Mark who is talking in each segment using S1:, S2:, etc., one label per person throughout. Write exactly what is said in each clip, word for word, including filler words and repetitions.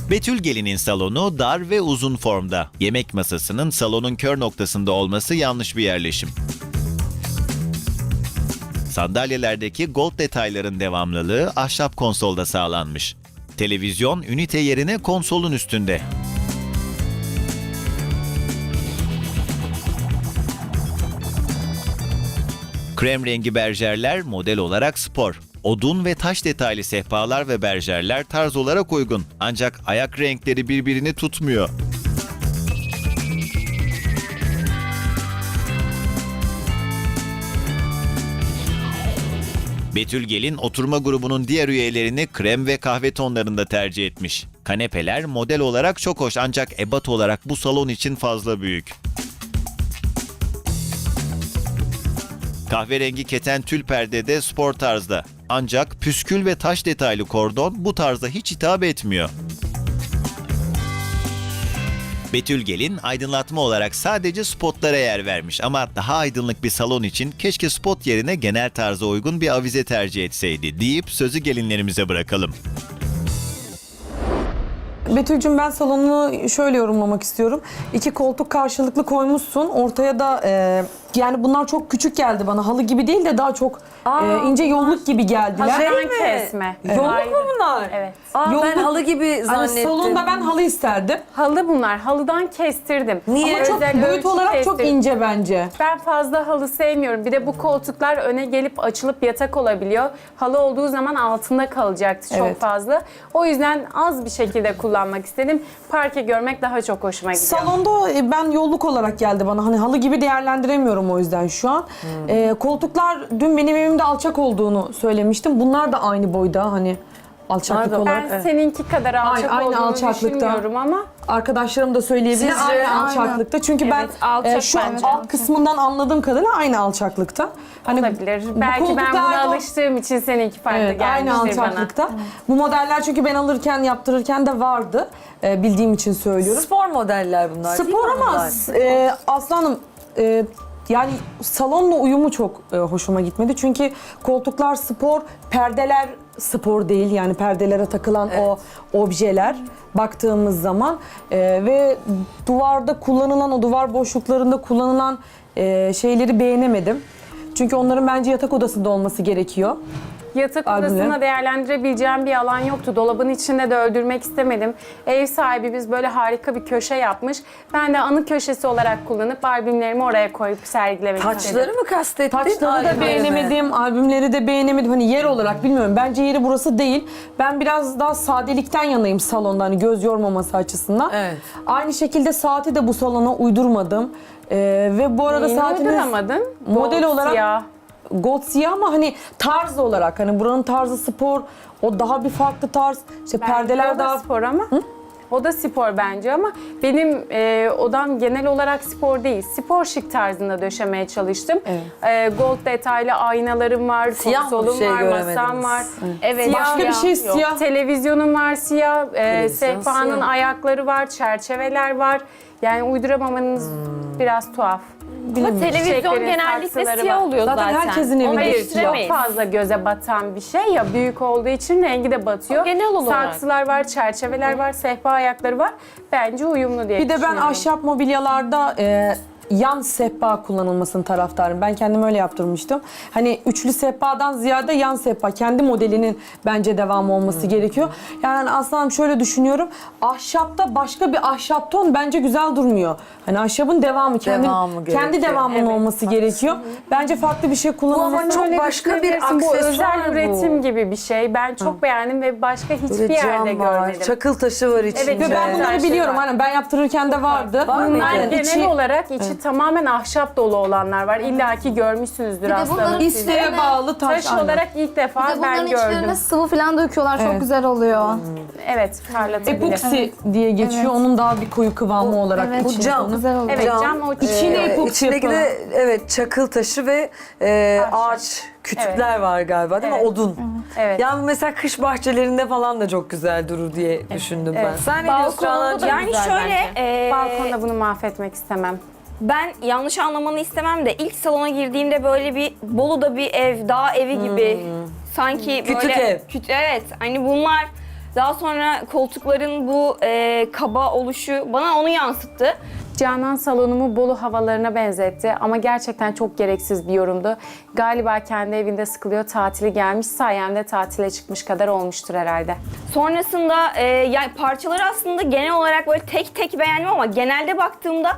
S1: Betül Gelin'in salonu dar ve uzun formda. Yemek masasının salonun kör noktasında olması yanlış bir yerleşim. Sandalyelerdeki gold detayların devamlılığı ahşap konsolda sağlanmış. Televizyon ünite yerine konsolun üstünde. Krem rengi berjerler model olarak spor. Odun ve taş detaylı sehpalar ve berjerler tarz olarak uygun. Ancak ayak renkleri birbirini tutmuyor. Betül Gelin oturma grubunun diğer üyelerini krem ve kahve tonlarında tercih etmiş. Kanepeler model olarak çok hoş ancak ebat olarak bu salon için fazla büyük. Kahverengi keten tül perde de spor tarzda. Ancak püskül ve taş detaylı kordon bu tarzda hiç hitap etmiyor. Betül Gelin aydınlatma olarak sadece spotlara yer vermiş ama daha aydınlık bir salon için keşke spot yerine genel tarza uygun bir avize tercih etseydi deyip sözü gelinlerimize bırakalım.
S2: Betül'cüm ben salonunu şöyle yorumlamak istiyorum. İki koltuk karşılıklı koymuşsun. Ortaya da e, yani bunlar çok küçük geldi bana. Halı gibi değil de daha çok
S3: Aa,
S2: e, ince yolluk gibi geldiler.
S3: Hazırdan
S4: mi?
S3: kesme.
S2: Yolluk
S3: Ayrı.
S2: mu bunlar?
S3: Evet.
S4: Aa,
S2: Yolluk-
S4: ben halı gibi
S2: Hani
S4: zannettim.
S2: salonda ben halı isterdim.
S3: Halı bunlar. Halıdan kestirdim.
S4: Niye?
S2: Ama çok
S3: Özel
S2: boyut
S3: ölçü
S2: olarak çok
S3: kestirdim.
S2: ince bence.
S3: Ben fazla halı sevmiyorum. Bir de bu koltuklar öne gelip açılıp yatak olabiliyor. Halı olduğu zaman altında kalacaktı çok
S2: Evet.
S3: fazla. O yüzden az bir şekilde kullanmak istedim. Parke görmek daha çok hoşuma gidiyor.
S2: Salonda e, ben yolluk olarak geldi bana. Hani halı gibi değerlendiremiyorum o yüzden şu an. E, koltuklar dün benim evimde alçak olduğunu söylemiştim. Bunlar da aynı boyda hani alçaklık
S4: Pardon.
S2: olarak.
S3: Ben seninki kadar alçak
S2: aynı
S3: olduğunu
S2: alçaklıkta.
S3: düşünmüyorum ama
S2: Arkadaşlarım da söyleyebilir
S4: Sizce?
S2: aynı alçaklıkta. Çünkü
S3: Evet,
S2: ben
S3: alçak
S2: e, şu
S3: bence.
S2: alt kısmından anladığım kadarıyla aynı alçaklıkta. Hani
S3: olabilir.
S2: bu
S3: Belki ben
S2: koltuklar
S3: buna
S2: da-
S3: alıştığım için seninki farklı
S2: Evet, aynı
S3: gelmiştir bana.
S2: alçaklıkta. Bu modeller çünkü ben alırken, yaptırırken de vardı. E, bildiğim için söylüyorum.
S4: Spor modeller bunlar değil
S2: Spor
S4: mi
S2: ama
S4: bunlar?
S2: e, Aslanım e, yani salonla uyumu çok e, hoşuma gitmedi. Çünkü koltuklar spor, perdeler spor değil. Yani perdelere takılan o objeler baktığımız zaman e, ve duvarda kullanılan o duvar boşluklarında kullanılan e, şeyleri beğenemedim. Çünkü onların bence yatak odasında olması gerekiyor.
S3: Yatak
S2: Albümle.
S3: odasına değerlendirebileceğim bir alan yoktu. Dolabın içinde de öldürmek istemedim. Ev sahibimiz böyle harika bir köşe yapmış. Ben de anı köşesi olarak kullanıp albümlerimi oraya koyup sergilemek
S4: Taçları
S3: istedim.
S4: mı kastettin?
S2: Taçları da
S4: albümleri mi?
S2: beğenemedim, albümleri de beğenemedim. Hani yer olarak bilmiyorum. Bence yeri burası değil. Ben biraz daha sadelikten yanayım salonda hani göz yormaması açısından.
S4: Evet.
S2: Aynı şekilde saati de bu salona uydurmadım. Ee, ve bu arada
S3: Neyini
S2: saatimiz
S3: uyduramadın?
S2: model
S3: Gold
S2: olarak
S3: siyah.
S2: gold siyah ama hani tarz olarak hani buranın tarzı spor, o daha bir farklı tarz. İşte
S3: Bence
S2: perdeler
S3: o da
S2: daha
S3: spor ama. O da spor bence ama benim e, odam genel olarak spor değil. Spor şık tarzında döşemeye çalıştım.
S2: Evet.
S3: E, gold detaylı aynalarım var,
S4: Siyah mı?
S3: konsolum
S4: Bir şey
S3: var,
S4: göremediniz.
S3: masam var. Evet.
S2: Başka bir şey siyah.
S3: Televizyonum var siyah, e,
S4: Televizyon
S3: sehpanın
S4: siyah.
S3: ayakları var, çerçeveler var. Yani uyduramamanız biraz tuhaf.
S5: Ama televizyon
S3: Çiçeklerin
S5: genellikle
S3: saksıları
S5: siyah
S3: var.
S5: oluyor
S2: Zaten
S5: zaten.
S2: herkesin evinde
S5: Onu
S3: Hayır,
S5: değiştiremeyiz.
S3: çok fazla göze batan bir şey ya, büyük olduğu için rengi de batıyor.
S5: O genel olarak.
S3: Saksılar var, çerçeveler var, sehpa ayakları var. Bence uyumlu diye
S2: Bir de ben
S3: düşünüyorum.
S2: ahşap mobilyalarda e, yan sehpa kullanılmasının taraftarım. Ben kendim öyle yaptırmıştım. Hani üçlü sehpadan ziyade yan sehpa, kendi modelinin bence devamı olması gerekiyor. Yani hani Aslanım şöyle düşünüyorum. Ahşapta başka bir ahşap ton bence güzel durmuyor. Hani ahşabın devamı, kendi,
S4: Devamı
S2: kendi
S4: gerekiyor.
S2: devamının
S3: Evet,
S2: olması gerekiyor. Bence farklı bir şey kullanılması.
S4: ama çok
S3: Öyle
S4: başka bir
S3: düşünebilirsin. Bu
S4: aksesuar
S3: özel
S4: bu.
S3: üretim gibi bir şey. Ben çok beğendim ve başka hiçbir
S4: Böyle
S3: yerde
S4: cam var,
S3: görmedim.
S4: çakıl taşı var içinde.
S3: Evet,
S2: Ve ben bunları
S3: Güzel şey
S2: biliyorum.
S3: var.
S2: Hani ben yaptırırken de vardı.
S4: Var mıydı?
S3: Bunlar
S4: Yani
S3: genel
S2: içi-
S3: olarak içi tamamen ahşap dolu olanlar var. İlla ki görmüşsünüzdür
S6: Bir de
S3: aslanım.
S6: bunların
S3: siz.
S6: isteğe
S2: İsteğe bağlı taş.
S3: Taş
S2: aynen.
S3: olarak ilk
S6: Bir
S3: defa
S6: de bunların
S3: ben
S6: içlerine
S3: gördüm.
S6: sıvı falan döküyorlar. Çok
S2: Evet.
S6: güzel oluyor.
S3: Evet, parlatabilir.
S2: Epoksi diye geçiyor.
S6: Evet.
S2: Onun daha bir koyu kıvamı olarak.
S6: Evet,
S4: Bu
S2: geçiyor.
S4: cam.
S6: güzel oluyor.
S3: Evet, cam o
S2: İçine
S4: Ee,
S2: epoksi
S4: içindeki de
S2: yapıyorlar.
S4: evet çakıl taşı ve e,
S3: Ahşap.
S4: ağaç kütükler var galiba değil mi?
S3: Evet.
S4: Odun.
S3: Evet.
S4: Yani mesela kış bahçelerinde falan da çok güzel durur diye düşündüm ben.
S3: Evet.
S4: Sen ne diyorsun
S5: Balkonunda da
S4: Çağla'cığım?
S5: yani
S3: güzel
S5: şöyle
S3: bence.
S5: e,
S3: Balkonda bunu mahvetmek istemem.
S5: ben yanlış anlamanı istemem de ilk salona girdiğimde böyle bir Bolu'da bir ev, dağ evi gibi sanki
S4: Kütük
S5: böyle
S4: ev.
S5: Küt, evet hani bunlar Daha sonra koltukların bu e, kaba oluşu bana onu yansıttı.
S3: Canan salonumu Bolu havalarına benzetti ama gerçekten çok gereksiz bir yorumdu. Galiba kendi evinde sıkılıyor, tatili gelmiş, sayemde tatile çıkmış kadar olmuştur herhalde.
S5: Sonrasında e, yani parçaları aslında genel olarak böyle tek tek beğendim ama genelde baktığımda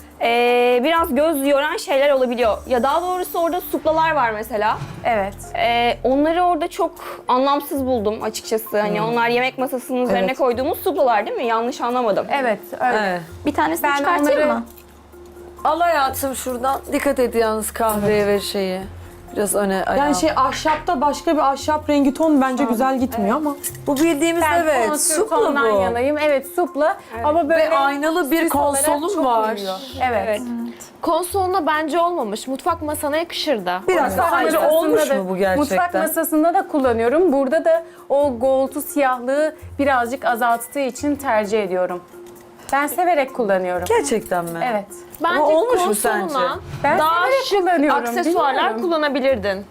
S5: e, biraz göz yoran şeyler olabiliyor. Ya daha doğrusu orada suplalar var mesela.
S3: Evet.
S5: E, onları orada çok anlamsız buldum açıkçası. Hani onlar yemek masasının üzerine
S2: Evet.
S5: koyduğumuz suplalar değil mi? Yanlış anlamadım.
S3: Evet, öyle.
S4: Evet.
S6: Bir tanesini
S3: Ben
S6: çıkartayım
S3: onları-
S6: mı?
S4: Al hayatım şuradan. Dikkat et yalnız kahveye ve şeyi. Biraz öne ayağa.
S2: Yani şey ahşapta başka bir ahşap rengi ton bence güzel gitmiyor ama.
S4: bu bildiğimiz
S3: Ben
S4: evet.
S3: konsül
S4: Supla
S3: tondan
S4: bu.
S3: yanayım. Evet, supla. Ama böyle
S4: Ve aynalı bir
S3: süs olarak
S4: konsolun
S3: çok
S4: var.
S3: uyuyor. Evet.
S6: Konsoluna bence olmamış. Mutfak masana yakışırdı.
S4: Biraz
S3: Mutfak
S4: sence
S3: masasında
S4: olmuş
S3: da-
S4: mu bu gerçekten?
S3: Mutfak masasında da kullanıyorum. Burada da o gold'u, siyahlığı birazcık azalttığı için tercih ediyorum. Ben severek kullanıyorum.
S4: Gerçekten mi?
S3: Evet.
S6: Bence
S4: Ama olmuş mu
S6: konsoluna
S4: sence?
S3: Ben
S6: daha
S3: severek
S6: şık
S3: kullanıyorum,
S6: aksesuarlar
S3: bilmiyorum.
S6: kullanabilirdin.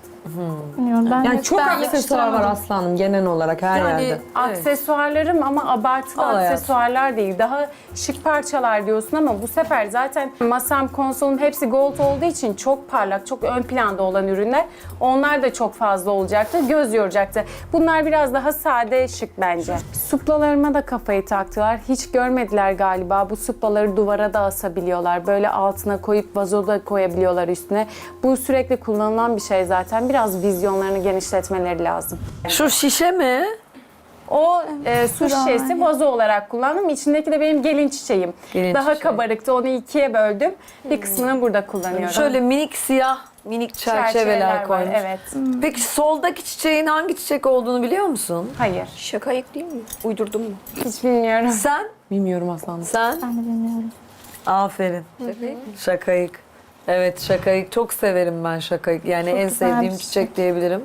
S2: Yani çok aksesuar var aslanım genel olarak her
S4: Yani
S2: yerde.
S4: evet.
S3: Aksesuarlarım ama abartılı
S4: Al hayatım.
S3: aksesuarlar değil. Daha şık parçalar diyorsun ama bu sefer zaten masam, konsolum hepsi gold olduğu için çok parlak, çok ön planda olan ürünler. Onlar da çok fazla olacaktı, göz yoracaktı. Bunlar biraz daha sade, şık bence. Suplalarıma da kafayı taktılar. Hiç görmediler galiba. Bu suplaları duvara da asabiliyorlar. Böyle altına koyup vazoda koyabiliyorlar üstüne. Bu sürekli kullanılan bir şey zaten. Biraz vizyonlarını genişletmeleri lazım.
S4: Şu şişe mi?
S3: O e, su şişesi vazo olarak kullandım. İçindeki de benim gelin çiçeğim.
S4: Gelin
S3: Daha
S4: çiçeği.
S3: kabarıktı. Onu ikiye böldüm. Bir kısmını burada kullanıyorum.
S4: Şöyle minik siyah minik çerçeveler
S3: var.
S4: koymuş.
S3: Evet.
S4: Peki soldaki çiçeğin hangi çiçek olduğunu biliyor musun?
S3: Hayır.
S5: Şakayık değil mi? Uydurdum mu?
S3: Hiç bilmiyorum.
S4: Sen?
S2: Bilmiyorum aslanım.
S4: Sen?
S6: Ben de bilmiyorum.
S4: Aferin. Şakayık. Evet şakayık. Çok severim ben şakayık. Yani en
S6: güzel
S4: sevdiğim
S6: bir
S4: çiçek diyebilirim.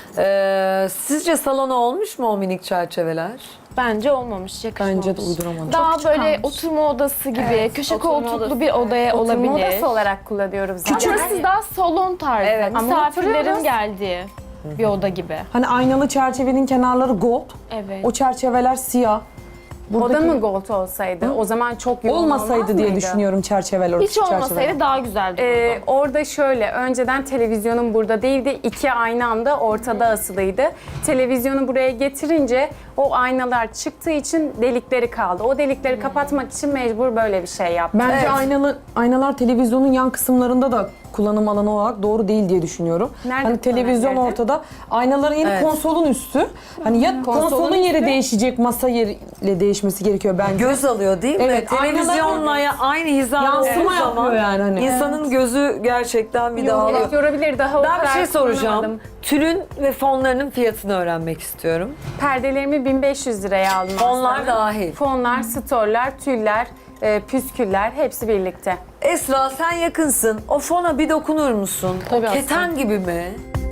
S4: Ee, sizce salona olmuş mu o minik çerçeveler?
S6: Bence olmamış, yakışmamış.
S2: Bence de uyduramadım.
S6: Daha Çok böyle çıkarmış. oturma odası gibi, köşe
S5: oturma
S6: koltuklu
S5: odası.
S6: bir odaya
S3: Oturma
S6: olabilir.
S3: odası olarak kullanıyorum zaten.
S6: Ama siz daha salon tarzı.
S5: Evet.
S3: Ama
S6: Misafirlerin
S3: oturuyoruz.
S6: geldiği bir oda gibi.
S2: Hani aynalı çerçevenin kenarları gold,
S6: Evet.
S2: o çerçeveler siyah.
S3: O da
S2: Buradaki-
S3: mı gold olsaydı? O zaman çok yoğun olmaz
S2: Olmasaydı diye
S3: mıydı?
S2: düşünüyorum çerçeveler.
S6: Hiç
S2: çerçeveler.
S6: olmasaydı daha güzel dururdu.
S3: Ee, orada şöyle, önceden televizyonum burada değildi. İki aynı anda ortada asılıydı. Televizyonu buraya getirince o aynalar çıktığı için delikleri kaldı. O delikleri kapatmak için mecbur böyle bir şey yaptım.
S2: Bence
S4: Evet.
S2: aynalı aynalar televizyonun yan kısımlarında da kullanım alanı olarak doğru değil diye düşünüyorum.
S3: Nerede
S2: hani televizyon
S3: kullanabilirdi?
S2: ortada, aynaların yeri
S4: Evet.
S2: konsolun üstü. Hani ya konsolun, yeri
S3: üstü.
S2: değişecek, masa yeriyle değişmesi gerekiyor bence.
S4: Göz alıyor değil mi?
S2: Evet,
S4: Televizyonla
S2: aynalar-
S4: ya- aynı hizada
S2: Yansıma
S4: olduğu zaman
S2: yapıyor yani hani.
S4: insanın gözü gerçekten bir dağılıyor.
S3: Evet, yorabilir. Daha o
S4: Ben bir
S3: kadar
S4: şey soracağım.
S3: kullanamadım.
S4: Tülün ve fonlarının fiyatını öğrenmek istiyorum.
S3: Perdelerimi bin beş yüz liraya aldım
S4: Fonlar
S3: aslında.
S4: dahil.
S3: Fonlar, storlar, tüller, e, püsküller hepsi birlikte.
S4: Esra sen yakınsın. O fona bir dokunur musun?
S2: Tabii
S4: o keten
S2: aslında.
S4: gibi mi?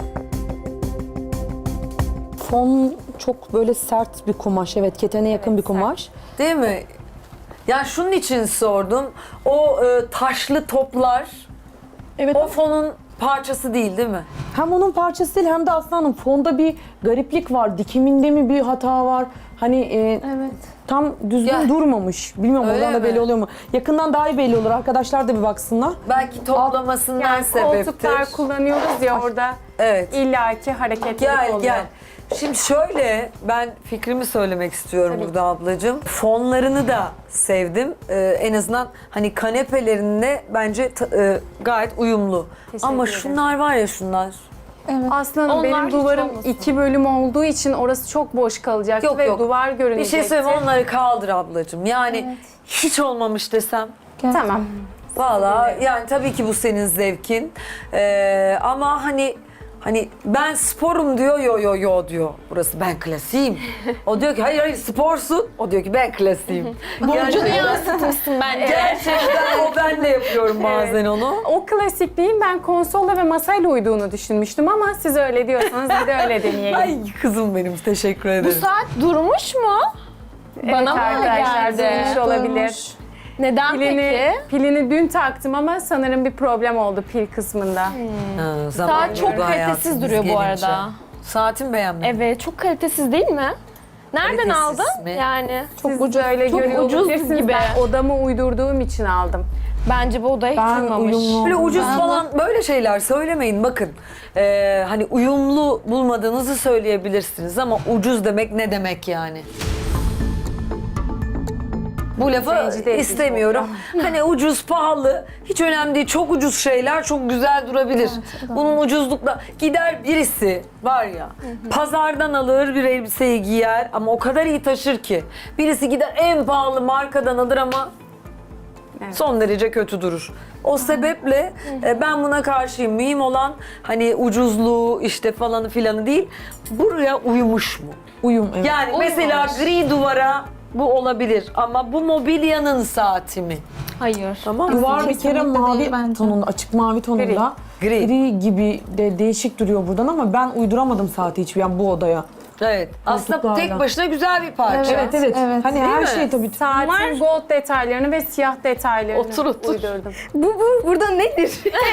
S2: Fon çok böyle sert bir kumaş. Evet, ketene yakın bir kumaş.
S4: Değil mi? Ya şunun için sordum. O e, taşlı toplar
S2: Evet.
S4: o fonun parçası değil değil mi?
S2: Hem onun parçası değil hem de aslanım fonda bir gariplik var. Dikiminde mi bir hata var? Hani e,
S6: Evet.
S2: tam düzgün
S4: Ya-
S2: durmamış. Bilmiyorum
S4: Öyle
S2: oradan da
S4: mi?
S2: belli oluyor mu? Yakından daha iyi belli olur. Arkadaşlar da bir baksınlar.
S4: Belki toplamasından
S3: Yani
S4: sebeptir.
S3: koltuklar kullanıyoruz ya orada
S4: Evet.
S3: illaki hareketlilik
S4: Gel
S3: oluyor.
S4: gel. Şimdi şöyle ben fikrimi söylemek istiyorum
S3: Tabii.
S4: burada ablacığım. Fonlarını da sevdim. Ee, en azından hani kanepelerine bence ta- e, gayet uyumlu.
S3: Teşekkür
S4: Ama
S3: ederim.
S4: şunlar var ya şunlar.
S3: Aslında
S6: Onlar
S3: benim
S6: hiç
S3: duvarım
S6: olmasın.
S3: iki bölüm olduğu için orası çok boş kalacaktı
S4: Yok,
S3: ve
S4: yok.
S3: duvar
S4: Bir
S3: görünecekti.
S4: şey söyleyeyim onları kaldır ablacığım. Yani hiç olmamış desem.
S3: Tamam.
S4: Valla yani tabii ki bu senin zevkin. Ee, ama hani hani ben sporum diyor yo yo yo diyor. Burası ben klasiyim. O diyor ki hayır hayır sporsun. O diyor ki ben klasiyim.
S6: Burcunu yansıtmışsın bence.
S4: Gerçekten o ben de yapıyorum bazen onu.
S3: O klasikliğin ben konsolla ve masayla uyduğunu düşünmüştüm ama siz öyle diyorsanız bir de öyle deneyelim.
S4: Ay kızım benim teşekkür
S6: Bu
S4: ederim.
S6: saat durmuş mu?
S3: Evet
S6: Bana mı öyle
S3: arkadaşlar
S6: geldi?
S3: durmuş olabilir.
S6: Neden
S3: Pilini,
S6: peki?
S3: pilini dün taktım ama sanırım bir problem oldu pil kısmında.
S4: Ha, zaman
S6: Saat çok
S4: yolda hayatım,
S6: kalitesiz
S4: biz
S6: duruyor bu
S4: gelince.
S6: arada.
S4: Saatin beğenmedin.
S6: Evet, çok kalitesiz değil mi? Nereden
S4: Kalitesiz
S6: aldın?
S4: mi?
S6: Yani çok
S3: Siz
S6: ucuz,
S3: öyle
S6: çok
S3: görüyor
S6: ucuz
S3: olabilirsiniz.
S6: gibi.
S3: Ben odamı uydurduğum için aldım.
S6: Bence bu odaya hiç
S2: Ben
S6: uymamış.
S2: uyumlu-
S4: Böyle ucuz
S6: Ben-
S4: falan böyle şeyler söylemeyin. Bakın ee, hani uyumlu bulmadığınızı söyleyebilirsiniz ama ucuz demek ne demek yani? Bu lafı
S3: Rencide edici
S4: istemiyorum. Hani ucuz, pahalı hiç önemli değil. Çok ucuz şeyler çok güzel durabilir. Bunun ucuzlukla gider birisi var ya pazardan alır bir elbiseyi giyer ama o kadar iyi taşır ki. Birisi gider en pahalı markadan alır ama son derece kötü durur. O sebeple e, ben buna karşıyım. Mühim olan hani ucuzluğu işte falanı filanı değil. Buraya uyumuş mu?
S2: Uyum, evet.
S4: Yani mesela gri duvara bu olabilir ama bu mobilyanın saati mi?
S6: Hayır.
S4: Tamam mı?
S2: Duvar bir kere
S7: Kesinlikle
S2: mavi
S7: değil bence.
S2: tonunda, açık mavi tonunda.
S4: Gri.
S2: Gri gibi de değişik duruyor buradan ama ben uyduramadım saati hiç yani bu odaya.
S4: Evet. Aslında
S2: Koltuklarla.
S4: tek başına güzel bir parça.
S2: Evet evet.
S7: Evet.
S2: Hani
S4: Değil
S2: her
S4: mi?
S2: şey tabii.
S3: Saatin gold detaylarını ve siyah detaylarını
S4: Otur, otur.
S3: uydurdum.
S5: Bu, bu burada nedir?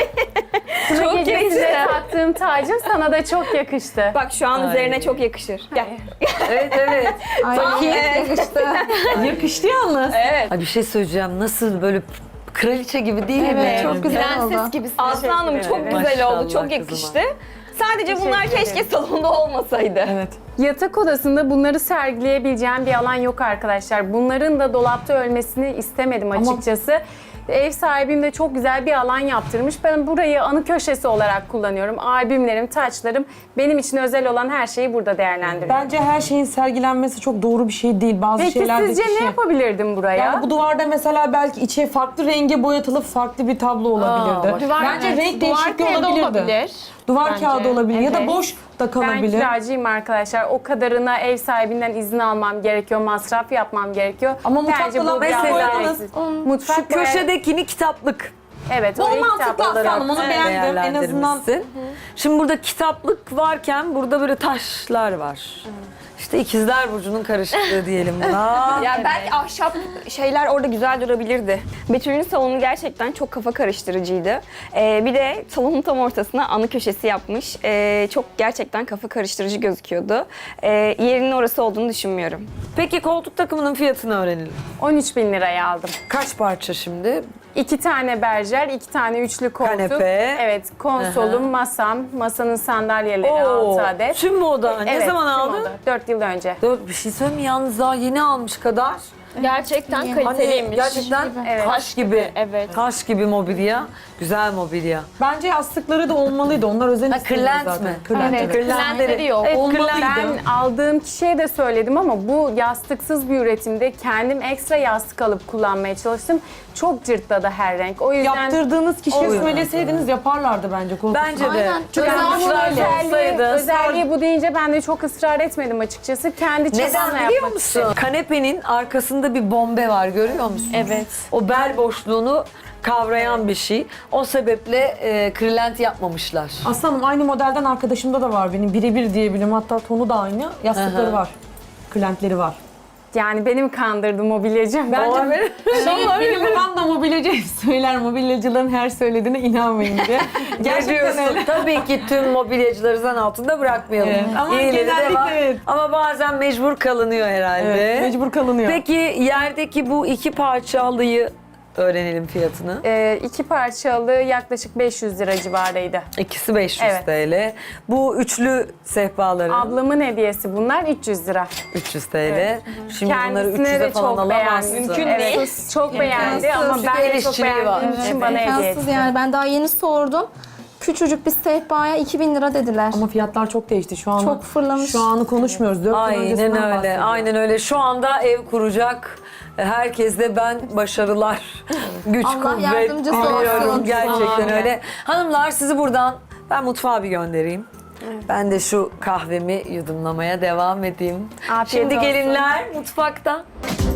S3: Çok
S5: yakıştı.
S3: gecesinde taktığım tacım sana da çok yakıştı.
S5: Bak şu an üzerine çok yakışır. Gel.
S4: Evet evet.
S7: Ay yakıştı.
S2: Yakıştı yalnız.
S5: Evet.
S4: Ay bir şey söyleyeceğim. Nasıl böyle kraliçe gibi değil mi?
S7: Evet çok güzel
S6: Prenses
S7: oldu.
S6: gibisin.
S5: Aslı Hanım çok
S3: ederim.
S5: güzel oldu.
S4: Maşallah
S5: Çok yakıştı.
S4: kızıma.
S5: Sadece bunlar
S3: Teşekkür
S5: keşke
S3: ederim.
S5: salonda olmasaydı.
S2: Evet.
S3: Yatak odasında bunları sergileyebileceğim bir alan yok arkadaşlar. Bunların da dolapta ölmesini istemedim açıkçası. Ev sahibim de çok güzel bir alan yaptırmış. Ben burayı anı köşesi olarak kullanıyorum. Albümlerim, taçlarım, benim için özel olan her şeyi burada değerlendiriyorum.
S2: Bence her şeyin sergilenmesi çok doğru bir şey değil. Bazı
S3: Peki
S2: şeylerde
S3: sizce
S2: kişi-
S3: ne yapabilirdim buraya?
S2: Yani bu duvarda mesela belki içe farklı renge boyatılıp farklı bir tablo olabilirdi.
S4: bak.
S6: Duvar,
S2: Bence
S6: evet,
S2: renk
S6: duvar
S2: değişikliği
S6: kağıdı
S2: olabilirdi.
S6: olabilir.
S2: Duvar
S6: Bence.
S2: kağıdı olabilir ya da
S3: Evet.
S2: boş da
S3: Ben
S2: kalabilir.
S3: kiracıyım arkadaşlar. O kadarına ev sahibinden izin almam gerekiyor, masraf yapmam gerekiyor.
S2: Ama mutfakta
S3: Bence bu
S2: lavaboyu
S3: biraz
S4: boyadınız.
S3: gereksiz. Mutfak
S4: Şu
S3: boya-
S4: köşedekini kitaplık.
S3: Evet,
S2: Bu
S3: orayı
S2: mantıklı
S3: kitap olarak-
S2: aslında, onu beğendim. En azından
S4: değerlendirmişsin. Şimdi burada kitaplık varken burada böyle taşlar var. İşte ikizler burcunun karışıklığı diyelim buna.
S5: Ya belki ahşap şeyler orada güzel durabilirdi. Betül'ün salonu gerçekten çok kafa karıştırıcıydı. Ee, bir de salonun tam ortasına anı köşesi yapmış. Ee, çok gerçekten kafa karıştırıcı gözüküyordu. Ee, yerinin orası olduğunu düşünmüyorum.
S4: Peki koltuk takımının fiyatını öğrenelim.
S3: on üç bin liraya aldım.
S4: Kaç parça şimdi?
S3: İki tane berjer, iki tane üçlü koltuk.
S4: Kanepe.
S3: Evet, konsolum, masam, masanın sandalyeleri altı adet.
S4: Tüm moda. Ne
S3: Evet,
S4: zaman
S3: tüm
S4: aldın?
S3: oda. Dört yıl önce.
S4: Dört, bir şey söyleyeyim mi? Yalnız daha yeni almış kadar.
S6: Gerçekten
S7: İyi.
S4: Hani
S6: kaliteliymiş.
S4: gerçekten
S3: Evet.
S4: taş gibi.
S6: Evet.
S4: Taş gibi mobilya. Güzel mobilya.
S2: bence yastıkları da olmalıydı. Onlar özel
S4: Ha,
S2: istedi
S4: kırlent
S2: zaten.
S4: mi?
S2: Kırlent,
S7: Evet.
S2: evet.
S6: Kırlentleri yok.
S4: Evet,
S2: Olmalıydı.
S4: kırlent.
S3: Ben aldığım kişiye de söyledim ama bu yastıksız bir üretimde kendim ekstra yastık alıp kullanmaya çalıştım. Çok cırtladı her renk. O yüzden
S2: Yaptırdığınız kişiye
S4: Oluyor.
S2: söyleseydiniz yaparlardı bence koltuk.
S4: Bence de.
S7: Aynen.
S4: Çok
S7: Özel
S4: özel
S7: öyle.
S3: özelliği,
S4: olsaydı.
S3: özelliği bu deyince ben de çok ısrar etmedim açıkçası. Kendi çabamla
S4: Neden
S3: yapmak
S4: biliyor musun?
S3: istedim.
S4: Kanepenin arkasında bir bombe var, görüyor musun?
S6: Evet.
S4: O bel boşluğunu kavrayan bir şey. O sebeple e, kırlent yapmamışlar.
S2: Aslanım aynı modelden arkadaşımda da var benim. Birebir diyebilirim. Hatta tonu da aynı. Yastıkları
S4: Aha.
S2: var. Kırlentleri var.
S3: Yani beni mi kandırdı mobilyacı?
S2: Bence benim babam da mobilyacı hep söyler. Mobilyacıların her söylediğine inanmayın diye. Gerçekten öyle.
S4: Tabii ki tüm mobilyacıları zan altında bırakmayalım.
S2: Evet. Ama
S4: İyileri de
S2: genellikle
S4: var.
S2: evet.
S4: Ama bazen mecbur kalınıyor herhalde.
S2: Evet, mecbur kalınıyor.
S4: Peki yerdeki bu iki parça halıyı öğrenelim fiyatını.
S3: Ee, iki parçalı yaklaşık beş yüz lira civarıydı.
S4: İkisi beş yüz
S3: Evet.
S4: T L. Bu üçlü sehpaların
S3: Ablamın hediyesi bunlar üç yüz lira.
S4: üç yüz T L. Şimdi bunları
S3: Kendisine
S4: üç yüze
S3: de
S4: falan
S3: çok beğendi.
S4: alamazsın.
S5: Mümkün
S3: Evet,
S5: değil.
S3: çok beğendi
S7: İmkansız.
S3: ama
S4: Çünkü
S3: ben
S4: el
S3: de çok
S4: işçiliği
S3: beğendiğim
S4: var.
S3: için
S4: Evet.
S3: bana hediye
S7: İmkansız
S3: etti.
S7: yani. Ben daha yeni sordum. Küçücük bir sehpaya iki bin lira dediler.
S2: Ama fiyatlar çok değişti. Şu an
S7: Çok fırlamış.
S2: Şu anı konuşmuyoruz. Dört yıl
S4: Aynen
S2: öncesinden
S4: öyle.
S2: bahsediyoruz.
S4: Aynen öyle. Şu anda ev kuracak herkeste ben başarılar, güç,
S7: Allah
S4: kuvvet
S7: yardımcısı
S4: diliyorum.
S7: olsun.
S4: Gerçekten
S3: Amin.
S4: öyle. Hanımlar sizi buradan ben mutfağa bir göndereyim. Ben de şu kahvemi yudumlamaya devam edeyim.
S3: Afiyet
S4: Şimdi
S3: olsun.
S4: gelinler mutfakta.